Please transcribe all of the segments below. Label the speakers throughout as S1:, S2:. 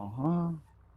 S1: Aha.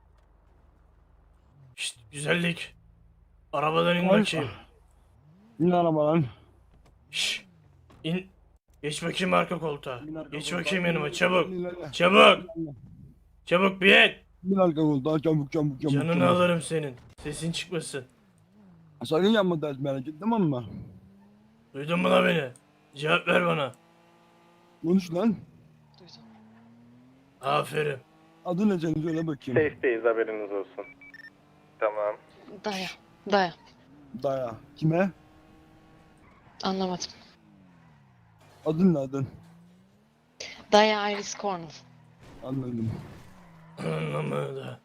S2: Şşt güzellik. Arabadan in
S1: Ay.
S2: bakayım.
S1: Bin arabadan.
S2: Şşt in. Geç bakayım arka koltuğa.
S1: Bin arka
S2: Geç
S1: koltuğa.
S2: bakayım
S1: Bin
S2: yanıma
S1: arka
S2: çabuk.
S1: koltuğa.
S2: Çabuk. Çabuk bin.
S1: Bin arka koltuğa. Çabuk çabuk çabuk
S2: Canını
S1: çabuk.
S2: alırım senin. Sesin çıkmasın.
S1: Sakın yapma ders merak et, tamam mı?
S2: Duydun mu la beni? Cevap ver bana.
S1: Konuş lan.
S3: Duydum.
S2: Aferin.
S1: Adın ne senin, söyle bakayım.
S4: Safe'deyiz, haberiniz olsun. Tamam.
S3: Daya. Daya.
S1: Daya. Kime?
S3: Anlamadım.
S1: Adın ne adın?
S3: Daya Iris Cornell.
S1: Anladım.
S2: Anlamadı.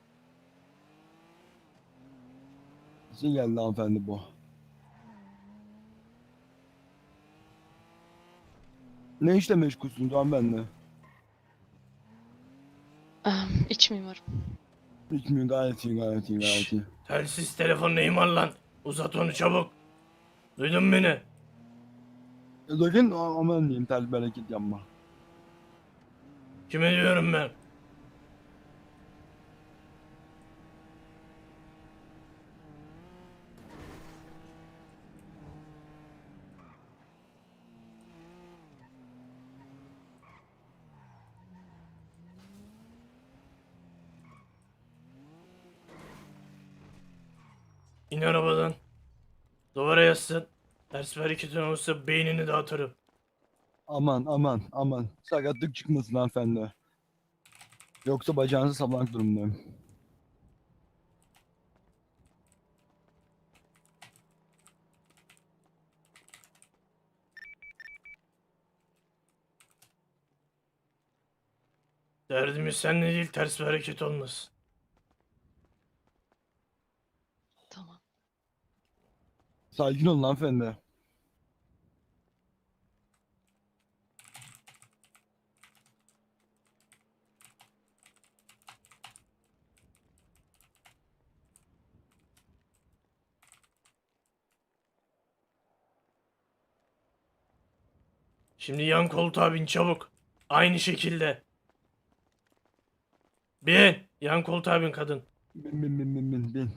S1: Nasıl geldi hanımefendi bu? Ne işle meşgulsünüz hanımefendi?
S3: İç mimarım.
S1: Bilmiyorum, gayet iyi gayet iyi gayet iyi.
S2: Telsiz telefon neyim var lan? Uzat onu çabuk. Duydun mu beni?
S1: Sakın aman diyeyim, ters bereket yapma.
S2: Kime diyorum ben? İn arabadan. Duvara yaslan. Ters bir hareketin olursa beynini dağıtırım.
S1: Aman aman aman. Sakatlık çıkmasın hanımefendi. Yoksa bacağınızı saplamak durumundayım.
S2: Derdimiz seninle değil, ters bir hareket olmasın.
S3: Tamam.
S1: Sakin olun hanımefendi.
S2: Şimdi yan koltuğa bin çabuk. Aynı şekilde. Bin. Yan koltuğa bin kadın.
S1: Bin.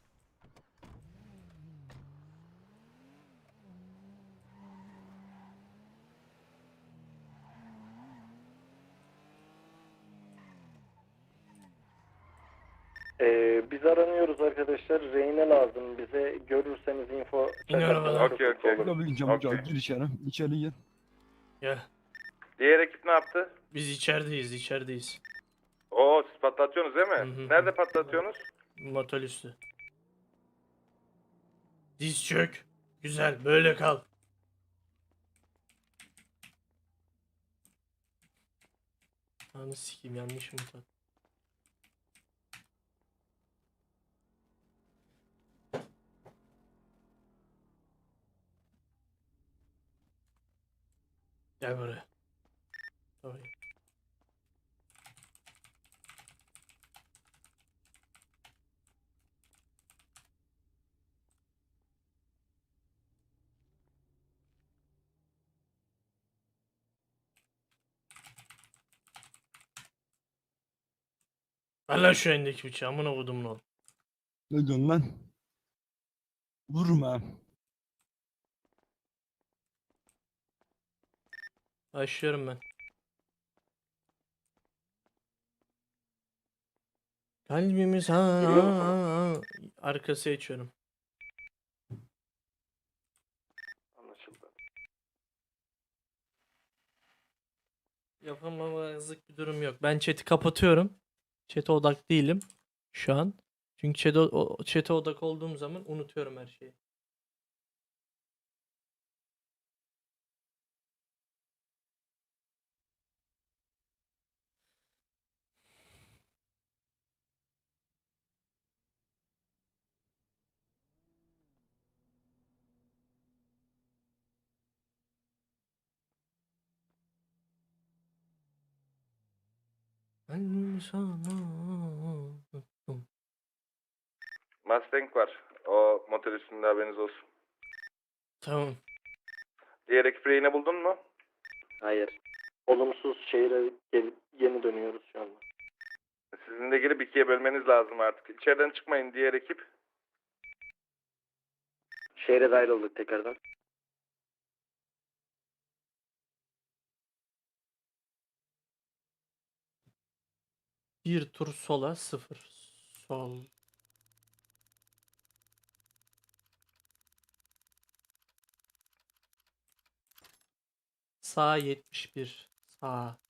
S4: Biz aranıyoruz arkadaşlar. Reyne lazım. Bize görürseniz info
S2: İn arabadan.
S4: çakarsanız
S5: Okey,
S4: çok olur.
S1: Tabii ki çabuk
S5: Okey.
S1: gir içeri. İçeri gir.
S2: Gel.
S5: Diğer ekip ne yaptı?
S2: Biz içerideyiz.
S5: Oo, siz patlatıyorsunuz değil mi?
S2: Hı hı.
S5: Nerede patlatıyorsunuz?
S2: Motel üstü. Diz çök. Güzel, böyle kal. Anı sikeyim, yanlış mı tat? Gel buraya. Tamam. Ver lan şu elindeki bıçağı, amına kodumun oğlu.
S1: Ne diyorsun lan? Vurma.
S2: Başlıyorum ben. Kalbimiz
S4: Giriyor musunuz?
S2: Arkası açıyorum.
S4: Anlaşıldı.
S2: Yapamamazlık bir durum yok. Ben chat'i kapatıyorum. Chat'e odak değilim şu an. Çünkü chat'e odak olduğum zaman unutuyorum her şeyi. Ben sana unuttum.
S5: Mustang var. O motor üstünde, haberiniz olsun.
S2: Tamam.
S5: Diğer ekip reyine buldun mu?
S4: Hayır. Olumsuz şehire gelip yeni dönüyoruz şu anda.
S5: Sizin de içine girip ikiye bölmeniz lazım artık. İçeriden çıkmayın diğer ekip.
S4: Şehre dahil olduk tekrardan.
S2: Bir tur sola 0. Sol. Sağ 71. Sağ.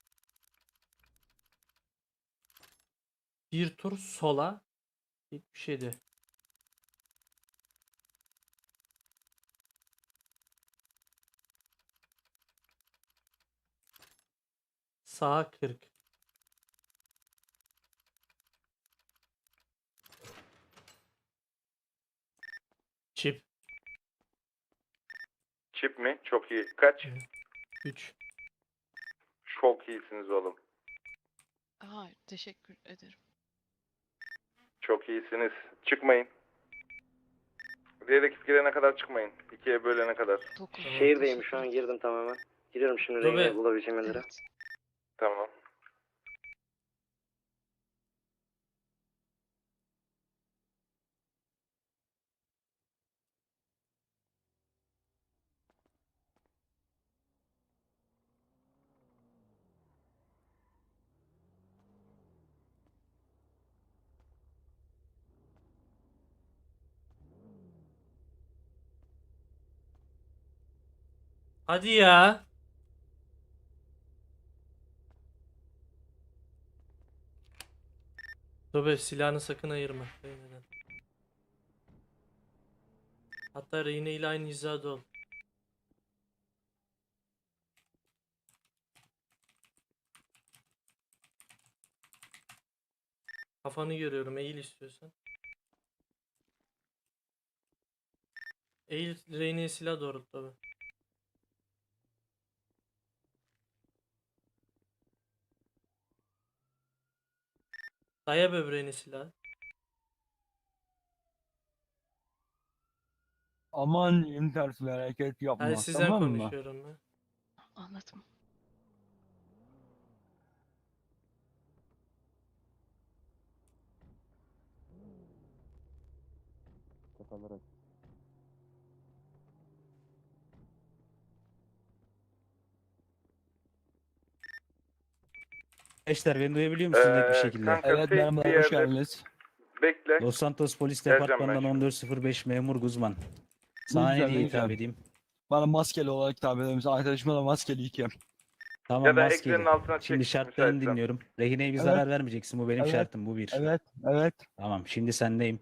S2: Bir tur sola 77. Sağa 40. Çip.
S5: Çip mi? Çok iyi. Kaç?
S2: 3.
S5: Çok iyisiniz oğlum.
S3: Hayır, teşekkür ederim.
S5: Çok iyisiniz. Çıkmayın. Diğer ekip girene kadar çıkmayın. İkiye bölene kadar.
S3: 9.
S4: Şehirdeyim şu an, girdim tamamen. Giriyorum şimdi
S2: Dur be.
S4: reyne bulabileceğim yerlere.
S3: Evet.
S5: Tamam.
S2: Hadi ya. Dur silahını sakın ayırma. Reyna'dan. Hatta Reyna ile aynı hizada ol. Kafanı görüyorum. Eğil istiyorsan. Eğil Reyna'ya silah doğrult tabi. Daya böbreğine silah.
S1: Aman intersel hareket yapma.
S2: Hadi sizden
S1: Tamam mı?
S2: konuşuyorum ben.
S3: Anladım.
S6: Arkadaşlar beni duyabiliyor musunuz net bir şekilde?
S5: Kanka
S1: Evet
S5: safe bir
S1: merhaba hoş
S5: yerde
S1: geldiniz.
S5: bekle.
S6: Los Santos Polis
S5: Geleceğim ben
S6: Departmanı'ndan
S5: şimdi.
S6: 1405 memur Guzman. Sana
S1: güzel,
S6: ne diye
S1: ne
S6: hitap
S1: güzel.
S6: edeyim?
S1: Bana maskeli olarak hitap eder misin? Arkadaşıma da maskeli iki.
S6: Tamam
S5: Ya da
S6: maskeli.
S5: ekranın altına
S6: Şimdi
S5: çek,
S6: şartlarını
S5: müsaitsen.
S6: dinliyorum. Rehineye bir
S1: Evet.
S6: zarar vermeyeceksin. Bu benim
S1: Evet.
S6: şartım. Bu bir.
S1: Evet, evet.
S6: Tamam şimdi sendeyim.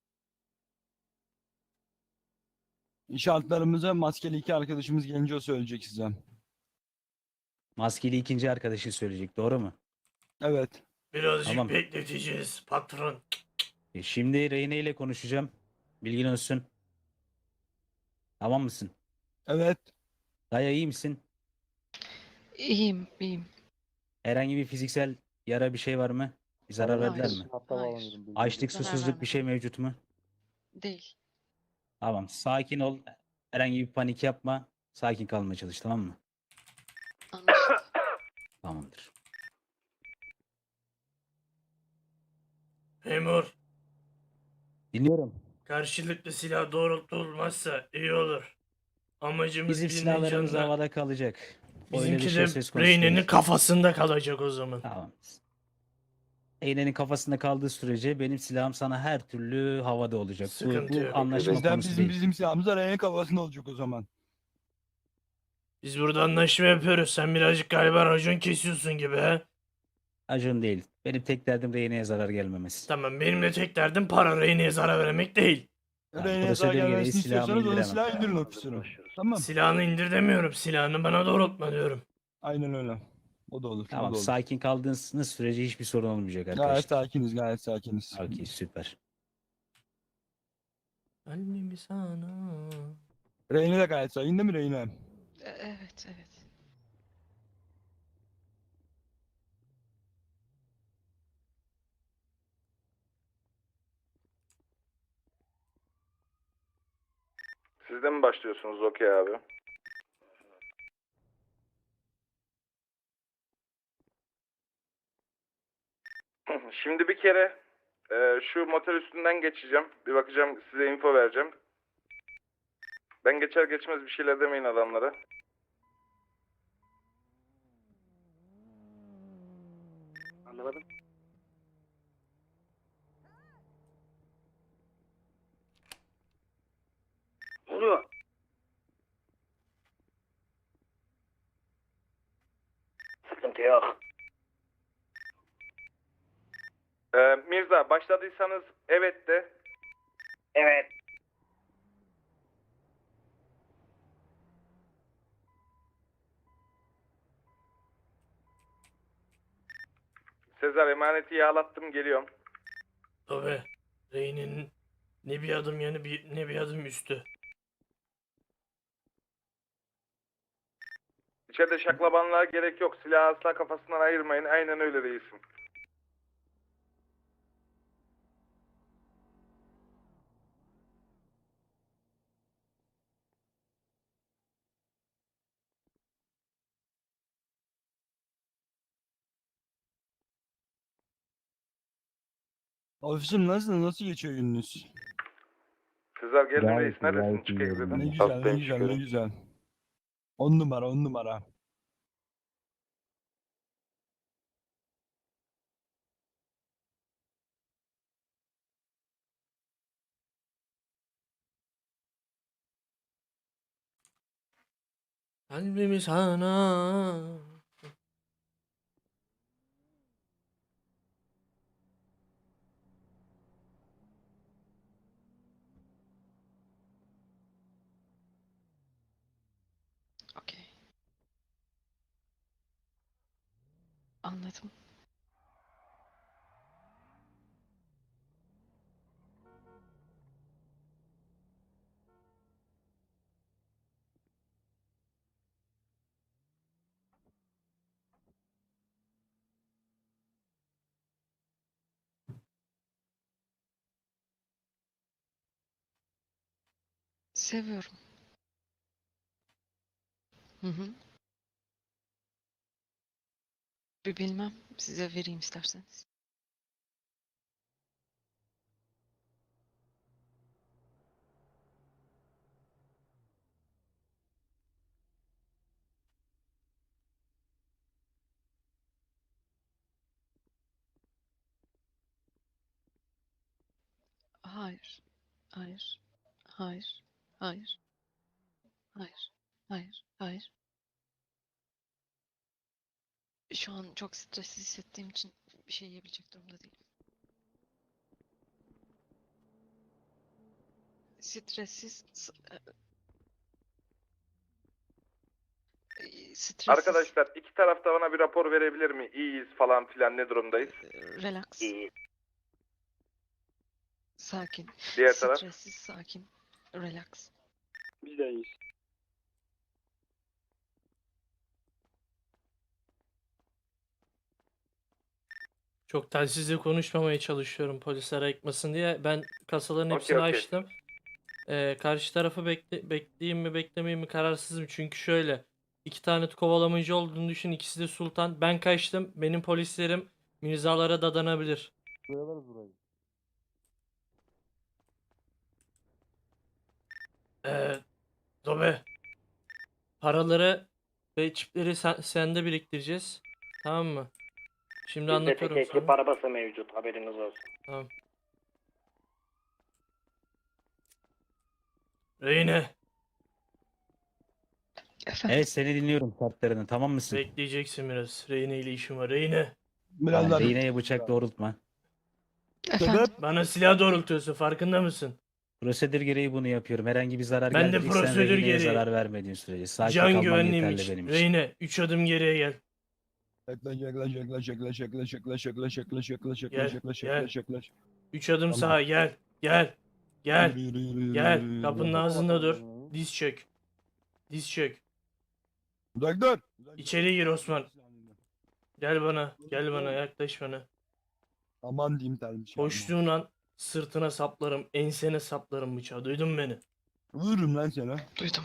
S1: Şartlarımızı maskeli iki arkadaşımız gelince o söyleyecek size.
S6: Maskeli ikinci arkadaşın söyleyecek. Doğru mu?
S1: Evet.
S2: Birazcık
S6: Tamam.
S2: bekleteceğiz patron.
S6: Şimdi Rehine ile konuşacağım. Bilgin olsun. Tamam mısın?
S1: Evet.
S6: Daya iyi misin?
S3: İyiyim, iyiyim.
S6: Herhangi bir fiziksel yara bir şey var mı? Bir zarar
S3: Hayır.
S6: verdiler mi?
S3: Hayır.
S6: Açlık,
S3: Zarar
S6: susuzluk bir şey
S3: vermedim.
S6: mevcut mu?
S3: Değil.
S6: Tamam. Sakin ol. Herhangi bir panik yapma. Sakin kalmaya çalış, tamam mı?
S3: Anlaşıldı.
S6: Tamamdır.
S2: Memur,
S6: Dinliyorum.
S2: karşılıklı silah doğrultulmazsa iyi olur. Amacımız
S6: Bizim
S2: birinin
S6: silahlarımız
S2: canına.
S6: havada kalacak. Öyle bir
S2: Bizimki
S6: şey
S2: de
S6: söz konusu
S2: Reyna'nın
S6: değil.
S2: kafasında kalacak o zaman.
S6: Tamam. Eğnenin kafasında kaldığı sürece benim silahım sana her türlü havada olacak.
S2: Sıkıntı
S6: Bu
S2: yok.
S6: anlaşma
S1: Bizden
S6: konusu
S1: bizim
S6: değil.
S1: bizim silahımız araya kafasında olacak o zaman.
S2: Biz burada anlaşma yapıyoruz. Sen birazcık galiba racon kesiyorsun gibi he.
S6: Acun değil. Benim tek derdim Rehine'ye zarar gelmemesi.
S2: Tamam benim de tek derdim para Reyna'ya zarar vermek değil.
S6: Yani
S1: Reyna'ya zarar
S6: prosedür gereği
S1: gelmesini
S6: silahımı
S1: istiyorsanız o da
S6: indiremem.
S1: silahı indirin ofisine. Tamam.
S2: Silahını indir demiyorum. Silahını bana doğrultma diyorum.
S1: Aynen öyle. O da olur. O
S6: Tamam
S1: da olur.
S6: sakin kaldığınız sürece hiçbir sorun olmayacak
S1: Gayet
S6: arkadaşlar.
S1: sakiniz, gayet sakiniz.
S6: Okey süper.
S2: Kalbimi sana.
S1: Reyna da gayet sakin değil mi Reyna?
S3: Evet, evet.
S5: Siz de mi başlıyorsunuz? Okey abi. Şimdi bir kere şu motor üstünden geçeceğim. Bir bakacağım, size info vereceğim. Ben geçer geçmez bir şeyler demeyin adamlara.
S4: Anlamadım. Ne oluyor? Sıkıntı yok.
S5: Mirza, başladıysanız evet de.
S4: Evet.
S5: Sezar, emaneti yağlattım, geliyorum.
S2: Tabii. Reyne'nin ne bir adım yanı ne bir adım üstü.
S5: İçeride şaklabanlığa gerek yok. Silahı asla kafasından ayırmayın. Aynen öyle reisim.
S1: Ofisim nasıl geçiyor gününüz?
S5: Sezar, geldin
S6: Gayet
S5: reis.
S6: iyi,
S5: Neredesin?
S6: gayet
S5: Çık
S6: iyi
S5: egzeden.
S1: Ne
S6: yerinde.
S1: güzel, ne
S5: Hastayım,
S1: güzel, ne
S5: şükür.
S1: güzel. 10 numara, 10 numara.
S2: Kalbimi sana.
S3: Okey. Anladım. Seviyorum. Hı hı. Bir bilmem. Size vereyim isterseniz. Hayır. Hayır. Hayır. Hayır. Hayır. Hayır. Hayır. Şu an çok stresli hissettiğim için bir şey yiyebilecek durumda değilim. Stressiz, stressiz,
S5: Arkadaşlar, iki tarafta bana bir rapor verebilir mi? İyiyiz falan filan, ne durumdayız?
S3: relax,
S4: İyi.
S3: sakin,
S5: Diğer taraf.
S3: stressiz, sakin, relax.
S4: Biz de iyiyiz.
S2: Çok telsizle konuşmamaya çalışıyorum polisler ayıkmasın diye. Ben kasaların
S5: Okey,
S2: hepsini
S5: okey.
S2: açtım. Karşı tarafı bekleyeyim mi beklemeyeyim mi kararsızım. Çünkü şöyle iki tane kovalamacı olduğunu düşün. İkisi de Sultan. Ben kaçtım. Benim polislerim mirzalara dadanabilir. Ee, Dobe. Paraları ve çipleri sende biriktireceğiz. Tamam mı? Şimdi
S4: Bizde tek
S2: anlatıyorum
S4: ekip
S2: sana.
S4: arabası mevcut. Haberiniz olsun.
S2: Tamam. Reyne.
S3: Efendim,
S6: Evet, seni dinliyorum, şartlarını tamam mısın?
S2: Bekleyeceksin biraz. Reyne ile işim var. Reyne.
S1: Biraz
S6: Tamam,
S1: daha
S6: iğneye bıçak doğrultma.
S3: efendim.
S2: Bana silah doğrultuyorsun. Farkında mısın?
S6: Prosedür gereği bunu yapıyorum. Herhangi bir zarar
S2: Ben de
S6: geleceksen
S2: prosedür
S6: rehineye
S2: gereği.
S6: zarar vermediğin sürece. Sakin
S2: Can
S6: kalman
S2: güvenliğim
S6: yeterli
S2: için.
S6: benim için.
S2: Reyne 3 adım geriye gel.
S1: yaklaş.
S2: 3 adım
S1: Tamam.
S2: sağa gel. Gel. Gel.
S1: Yürü.
S2: Gel. Kapının ağzında dur. Diz çök. Diz çök.
S1: Uzak dur.
S2: İçeri gir Osman. Gel bana. Gel bana. Yaklaş bana.
S1: Aman diyeyim termiş.
S2: Koştuğun an sırtına saplarım. Ensene saplarım bıçağı. Duydun mu beni?
S1: Vururum lan sana.
S3: Duydum.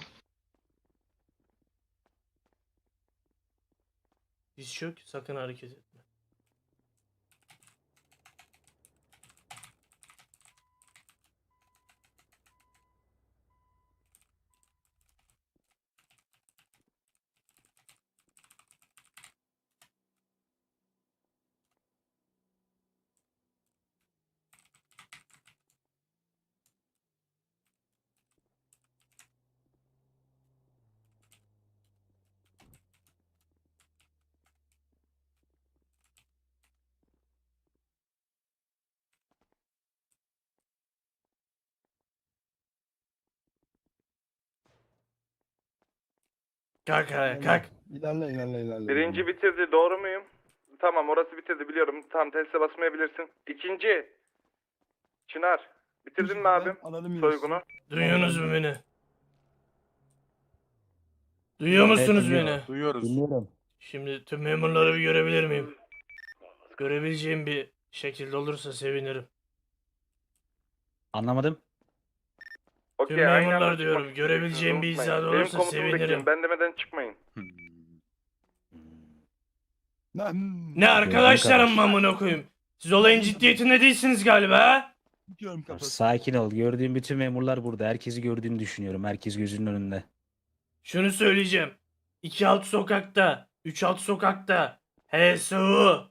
S2: Diz çök. Sakın hareket etme. Kalk ayağa kalk.
S1: İlerle.
S5: Birinci bitirdi, doğru muyum? Tamam, orası bitirdi biliyorum. Tamam, teste basmayabilirsin. İkinci. Çınar. Bitirdin mi abim
S1: Alalım
S5: soygunu?
S2: Duyuyorsunuz mu beni? Duyuyor musunuz
S6: duyuyorum.
S2: beni?
S7: Duyuyoruz.
S6: Dinliyorum.
S2: Şimdi tüm memurları bir görebilir miyim? Görebileceğim bir şekilde olursa sevinirim.
S6: Anlamadım.
S5: Okey,
S2: Tüm
S5: aynı
S2: memurlar
S5: anda
S2: diyorum,
S5: çıkmak
S2: görebileceğim bir
S5: istiyorsunuz,
S2: izahı
S5: unutmayın.
S2: olursa
S5: Benim komutumu bekleyin,
S2: sevinirim.
S5: ben demeden çıkmayın.
S2: Ne arkadaşlarım amına koyayım? Siz olayın ciddiyetinde değilsiniz galiba ha?
S1: Tutuyorum kafası.
S6: Sakin ol. Gördüğüm bütün memurlar burada. Herkesi gördüğünü düşünüyorum. Herkes gözünün önünde.
S2: Şunu söyleyeceğim. 2 alt sokakta, 3 alt sokakta, HSU.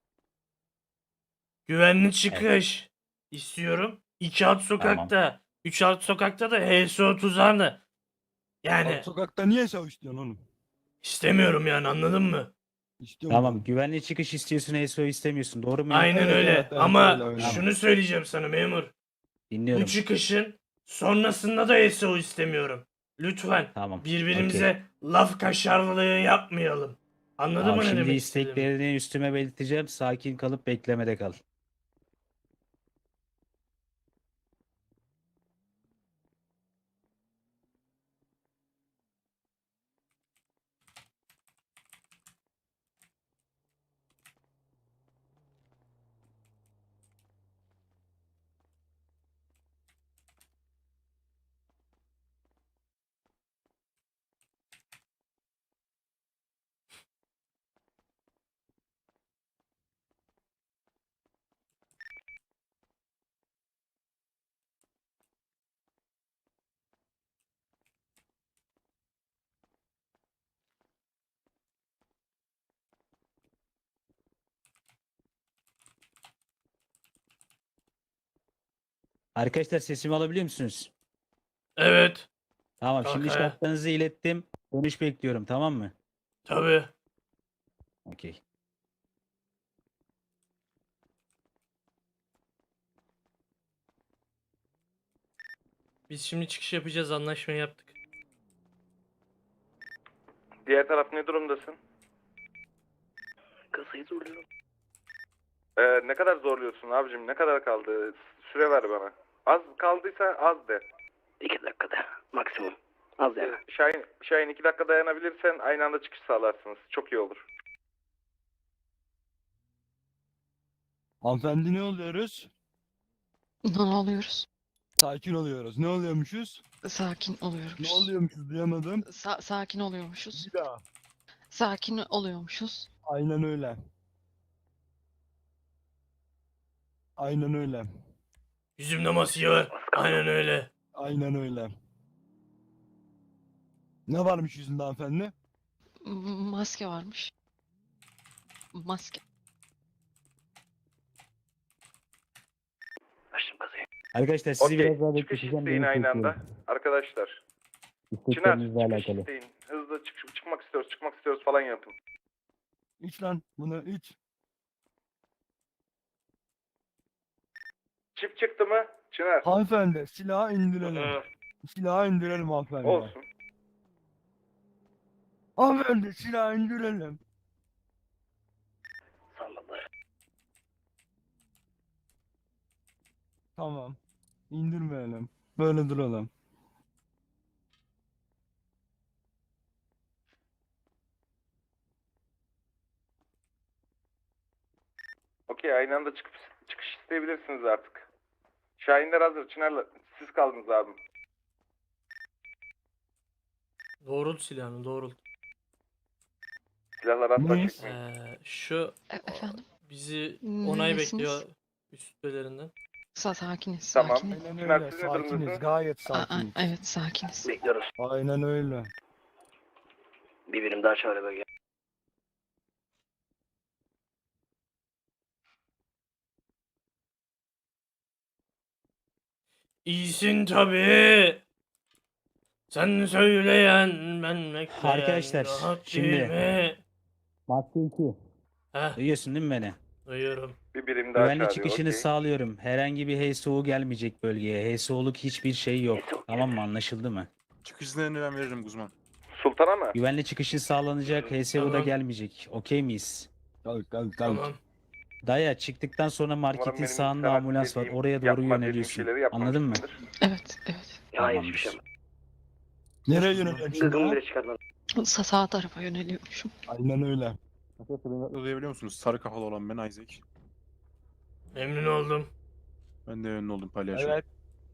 S2: Güvenli çıkış istiyorum. 2 alt sokakta, 3 alt sokakta da HSU tuzağını. Yani
S1: Alt sokakta niye savaş diyorsun oğlum?
S2: istemiyorum yani, anladın mı?
S1: İstiyorum.
S6: Tamam. Güvenli çıkış istiyorsun. SO istemiyorsun. Doğru mu?
S2: Aynen
S1: Evet,
S2: öyle.
S1: evet,
S2: Ama
S1: öyle.
S2: şunu söyleyeceğim sana memur.
S6: Dinliyorum.
S2: Bu çıkışın sonrasında da SO istemiyorum. Lütfen
S6: Tamam.
S2: birbirimize laf kaşarlığı yapmayalım. Anladın
S6: Tamam,
S2: mı ne
S6: şimdi
S2: demek istediğimi?
S6: isteklerini üstüme belirteceğim. Sakin kalıp beklemede kal. Arkadaşlar, sesimi alabiliyor musunuz?
S2: Evet,
S6: Tamam.
S2: Kalk
S6: Şimdi
S2: ayağa.
S6: şartlarınızı ilettim. Dönüş bekliyorum. Tamam mı?
S2: tabii.
S6: Okey.
S2: Biz şimdi çıkış yapacağız, anlaşmayı yaptık.
S5: Diğer taraf ne durumdasın?
S4: Kasayı zorluyorum.
S5: Ne kadar zorluyorsun abicim? Ne kadar kaldı? Süre ver bana. Az kaldıysa az de.
S4: 2 dakikada maksimum. Az yani.
S5: Şahin 2 dakika dayanabilirsen aynı anda çıkış sağlarsınız. Çok iyi olur.
S1: Hanımefendi ne oluyoruz?
S3: Ne oluyoruz?
S1: Sakin oluyoruz. Ne oluyormuşuz?
S3: Sakin oluyoruz.
S1: Ne oluyormuşuz duyamadım.
S3: Sakin oluyormuşuz.
S1: Bir daha.
S3: Sakin oluyormuşuz.
S1: Aynen öyle. Aynen öyle.
S2: Yüzümde maske var. Aynen öyle.
S1: Aynen öyle. Ne varmış yüzünde hanımefendi?
S3: Maske varmış. Maske.
S4: Açtım kasayı.
S6: Arkadaşlar, sizi
S5: Okey.
S6: biraz daha
S5: Çıkış
S6: bekleteceğim.
S5: isteyin
S6: Dönüş
S5: aynı anda.
S6: bekliyorum.
S5: Arkadaşlar. Çınar
S6: İsteklerinizle
S5: çıkış
S6: alakalı.
S5: isteyin. Hızlı çıkmak istiyoruz falan yapın.
S1: İç lan bunu iç.
S5: Çift çıktı mı? Çınar.
S1: Hanımefendi silahı indirelim.
S5: Hı,
S1: Silahı indirelim hanımefendi.
S5: olsun.
S1: Hanımefendi silahı indirelim.
S4: Salladılar.
S1: Tamam. İndirmeyelim. Böyle duralım.
S5: Okey, aynı anda çıkış isteyebilirsiniz artık. Şahinler hazır. Çınar'la siz kaldınız abim.
S2: Doğrult silahını, doğrult.
S5: Silahlar asla
S1: Ne?
S5: çekmeyin.
S2: Şu
S3: Efendim?
S2: bizi
S3: Ne
S2: onay
S3: desiniz?
S2: bekliyor üstlerinden.
S3: Sakiniz.
S5: Tamam.
S3: Sakiniz.
S1: Aynen
S5: Çınar,
S1: öyle.
S5: siz ne
S1: Sakiniz.
S5: durumdasınız?
S1: Gayet
S3: Aa,
S1: sakiniz.
S3: evet sakiniz.
S4: Bekliyoruz.
S1: Aynen öyle.
S4: Bir birim daha çağrı bölge.
S2: İyisin tabii. Sen söyleyen ben bekleyen.
S6: Arkadaşlar,
S2: rahat
S6: şimdi-
S2: değil mi?
S6: Madde 2.
S2: Heh,
S6: Duyuyorsun değil mi beni?
S2: duyuyorum.
S5: Bir birim daha
S6: Güvenli
S5: çağırıyor.
S6: çıkışını
S5: okey.
S6: sağlıyorum. Herhangi bir HSO gelmeyecek bölgeye. HSO'luk hiçbir şey yok.
S4: HSO
S6: Tamam mı? Anlaşıldı mı?
S7: Çıkış iznlerini ben veririm Guzman.
S5: Sultan Sultan'a mı?
S6: Güvenli çıkışın sağlanacak. HSU da
S2: Tamam.
S6: gelmeyecek. Okey miyiz?
S1: Kalk kalk kalk.
S2: Tamam.
S6: Daya çıktıktan sonra
S5: Umarım
S6: marketin
S5: benim
S6: sağında
S5: sana
S6: ambulans var.
S5: dediğim,
S6: Oraya doğru
S5: yapma dediğim
S6: yöneliyorsun.
S5: şeyleri
S6: Anladın mı?
S5: yapmamışsındır.
S3: Evet, evet.
S7: Hayır hiçbir şey
S6: Tamamdır.
S1: Nereye yöneliyorsun şimdi?
S7: Gıgımı
S1: ha?
S7: bile çıkartmadım.
S3: Sağ tarafa yöneliyormuşum.
S1: Aynen öyle.
S8: Duyabiliyor musunuz? Sarı kafalı olan ben Isaac.
S2: Memnun oldum.
S8: Ben de ünlü oldum palyaço.
S1: Evet.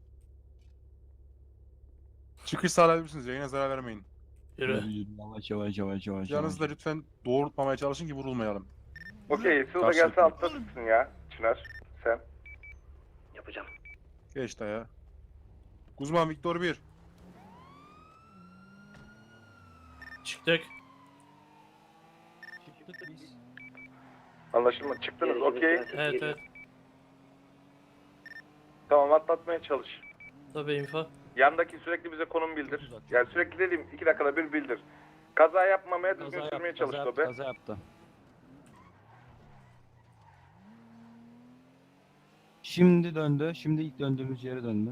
S8: Çıkış sağlayabilir misiniz? Yayına zarar vermeyin.
S2: Yürü.
S1: Yavaş yavaş yavaş yavaş.
S8: Yanınızda
S1: yavaş.
S8: lütfen doğrultmamaya çalışın ki vurulmayalım.
S5: Okey, Sıla
S8: Karşılıklı.
S5: gelse altta tutsun ya. Çınar, sen.
S7: Yapacağım.
S8: Geç daya. Guzman Victor 1.
S2: Çıktık.
S5: Anlaşılma. Çıktınız, okey.
S2: Evet evet.
S5: Tamam, atlatmaya çalış.
S2: Tabii info.
S5: Yandaki sürekli bize konum bildir.
S1: Uzat.
S5: Yani sürekli dediğim 2 dakikada bir bildir. Kaza yapmamaya, düzgün
S1: Kaza
S5: sürmeye
S1: yaptı,
S5: çalış
S1: kaza yaptı,
S5: Dobe.
S1: kaza yaptı. Şimdi döndü. Şimdi ilk döndüğümüz yere döndü.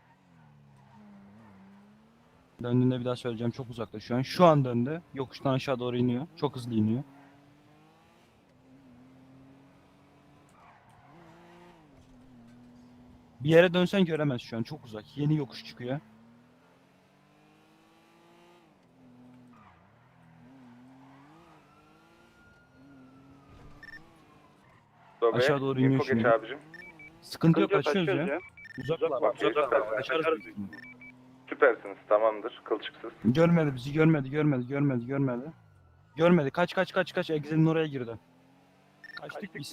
S1: Döndüğünde bir daha söyleyeceğim. Çok uzakta şu an. Şu an döndü. Yokuştan aşağı doğru iniyor. Çok hızlı iniyor. Bir yere dönsen göremez şu an. Çok uzak. Yeni yokuş çıkıyor.
S5: Dobe,
S1: Aşağı doğru iniyor
S5: info geç
S1: şimdi.
S5: abicim.
S1: Sıkıntı yok. Kaçıyoruz ya. Uzaklar.
S5: Okey, süpersiniz.
S1: Kaçarız.
S5: Süpersiniz, tamamdır. Kılçıksız.
S1: Görmedi bizi. Görmedi. Görmedi. Kaç. Exit'in oraya girdi. Kaçtık biz.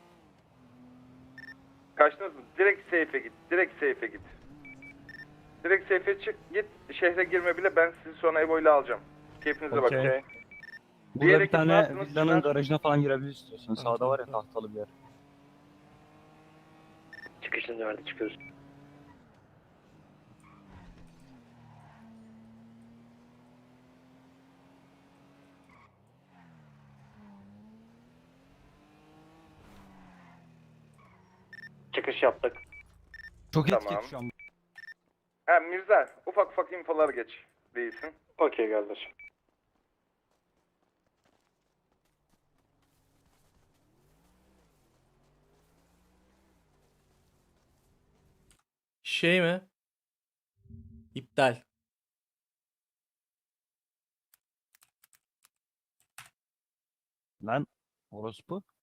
S5: Kaçtınız mı? Direkt safe'e git. Direkt safe'e git. Direkt safe'e çık, git. Şehre girme bile, ben sizi sonra Evo ile alacağım. Keyfinize bakın.
S1: Okey.
S5: Diğer
S1: Burada bir
S5: ekip ne
S1: tane
S5: yaptınız?
S1: villanın
S5: Çınar?
S1: garajına falan girebiliriz istiyorsan.
S2: Tamam,
S1: Sağda var ya
S2: tamam.
S1: tahtalı bir yer.
S7: Çıkışını verdi çıkıyoruz. Çıkış yaptık.
S1: Çok
S5: Tamam.
S1: etkili şu an.
S5: Ha Mirza, ufak ufak infolar geç. Değilsin.
S7: Okey kardeşim.
S2: Şey mi? İptal.
S1: Lan orospu.